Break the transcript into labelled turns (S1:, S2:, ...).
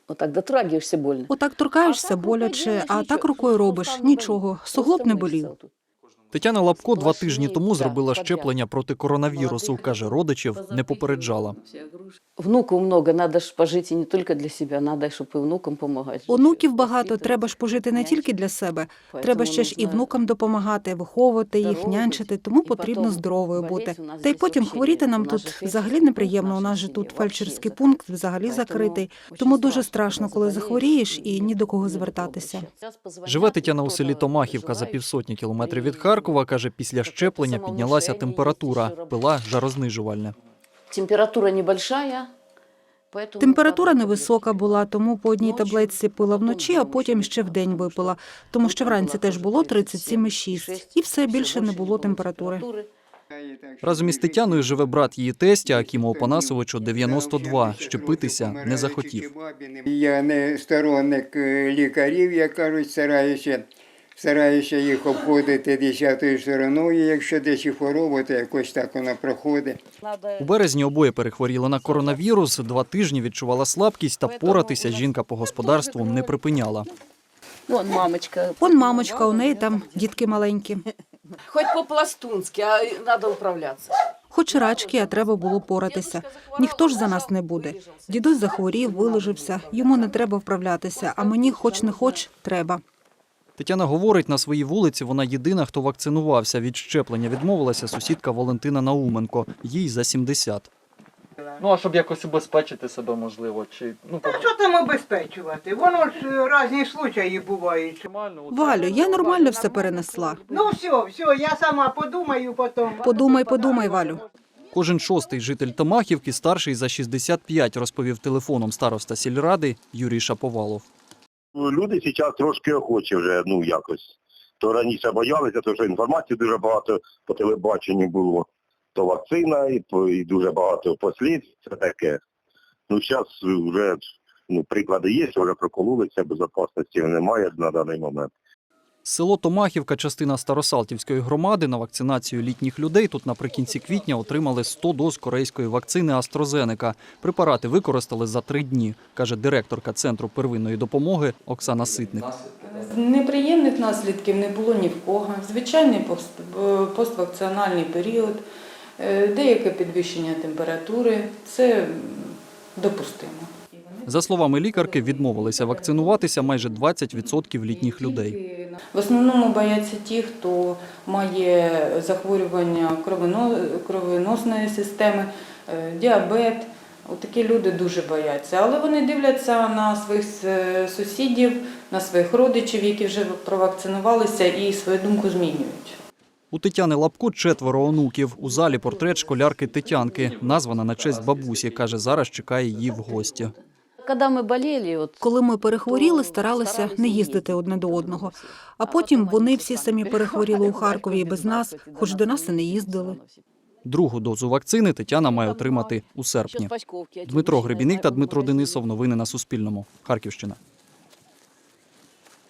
S1: Отак дотрагиваешься больно.
S2: Отак торкаєшся боляче, а так рукою робиш. Нічого, суглоб не болів.
S3: Тетяна Лапко 2 тижні тому зробила щеплення проти коронавірусу. Каже, родичів не попереджала.
S1: Внуків много, треба ж пожити не тільки для себе, треба, щоб і внукам допомагати.
S2: Онуків багато, треба ж пожити не тільки для себе. Треба ще ж і внукам допомагати, виховувати їх, нянчити, тому потрібно здоровою бути. Та й потім хворіти нам тут взагалі неприємно. У нас же тут фельдшерський пункт взагалі закритий. Тому дуже страшно, коли захворієш і ні до кого звертатися.
S3: Живе Тетяна у селі Томахівка за півсотні кілометрів від Харкова. Каже, після щеплення піднялася температура, пила жарознижувальне.
S1: Температура небольшая.
S2: Температура невисока була, тому по одній таблетці пила вночі, а потім ще вдень випила. Тому що вранці теж було 37,6. І все, більше не було температури.
S3: Разом із Тетяною живе брат її тестя, Акіму Опанасовичу, 92. Щепитися не захотів.
S4: Я не сторонник лікарів, як кажуть, стараюся їх обходити 10-ю стороною. Якщо десь і хвороба, то якось так вона проходить.
S3: У березні обоє перехворіли на коронавірус, 2 тижні відчувала слабкість та поратися жінка по господарству не припиняла.
S1: Вон мамочка.
S2: Вон мамочка, у неї там дітки маленькі.
S1: Хоч по-пластунськи, а треба управлятися.
S2: Хоч рачки, а треба було поратися. Ніхто ж за нас не буде. Дідусь захворів, вилежився, йому не треба вправлятися, а мені хоч не хоч треба.
S3: Тетяна говорить, на своїй вулиці вона єдина, хто вакцинувався. Від щеплення відмовилася сусідка Валентина Науменко. Їй за 70.
S5: Ну, а щоб якось убезпечити себе, можливо, чи...
S6: Та що там обезпечувати? Воно ж різні случаї бувають.
S2: Валю, я нормально все перенесла.
S6: Ну все, я сама подумаю потім.
S2: Подумай, Валю.
S3: Кожен 6-й житель Томахівки старший за 65, розповів телефоном староста сільради Юрій Шаповалов.
S7: Люди зараз трошки охочі вже, якось. То раніше боялися, тому що інформації дуже багато по телебаченню було. То вакцина і дуже багато послідств, це таке. Зараз вже приклади є, вже прокололися, безпечності немає на даний момент.
S3: Село Томахівка – частина Старосалтівської громади. На вакцинацію літніх людей тут наприкінці квітня отримали 100 доз корейської вакцини AstraZeneca. Препарати використали за 3 дні, каже директорка Центру первинної допомоги Оксана Ситник.
S8: Неприємних наслідків не було ні в кого. Звичайний поствакцинальний період, деяке підвищення температури – це допустимо.
S3: За словами лікарки, відмовилися вакцинуватися майже 20% літніх людей.
S8: В основному бояться ті, хто має захворювання кровоносної системи, діабет. Такі люди дуже бояться. Але вони дивляться на своїх сусідів, на своїх родичів, які вже провакцинувалися, і свою думку змінюють.
S3: У Тетяни Лапко 4 онуків. У залі портрет школярки Тетянки, названа на честь бабусі. Каже, зараз чекає її в гості.
S2: Коли ми перехворіли, старалися не їздити одне до одного. А потім вони всі самі перехворіли у Харкові і без нас, хоч до нас і не їздили.
S3: Другу дозу вакцини Тетяна має отримати у серпні. Дмитро Гребіник та Дмитро Денисов. Новини на Суспільному. Харківщина.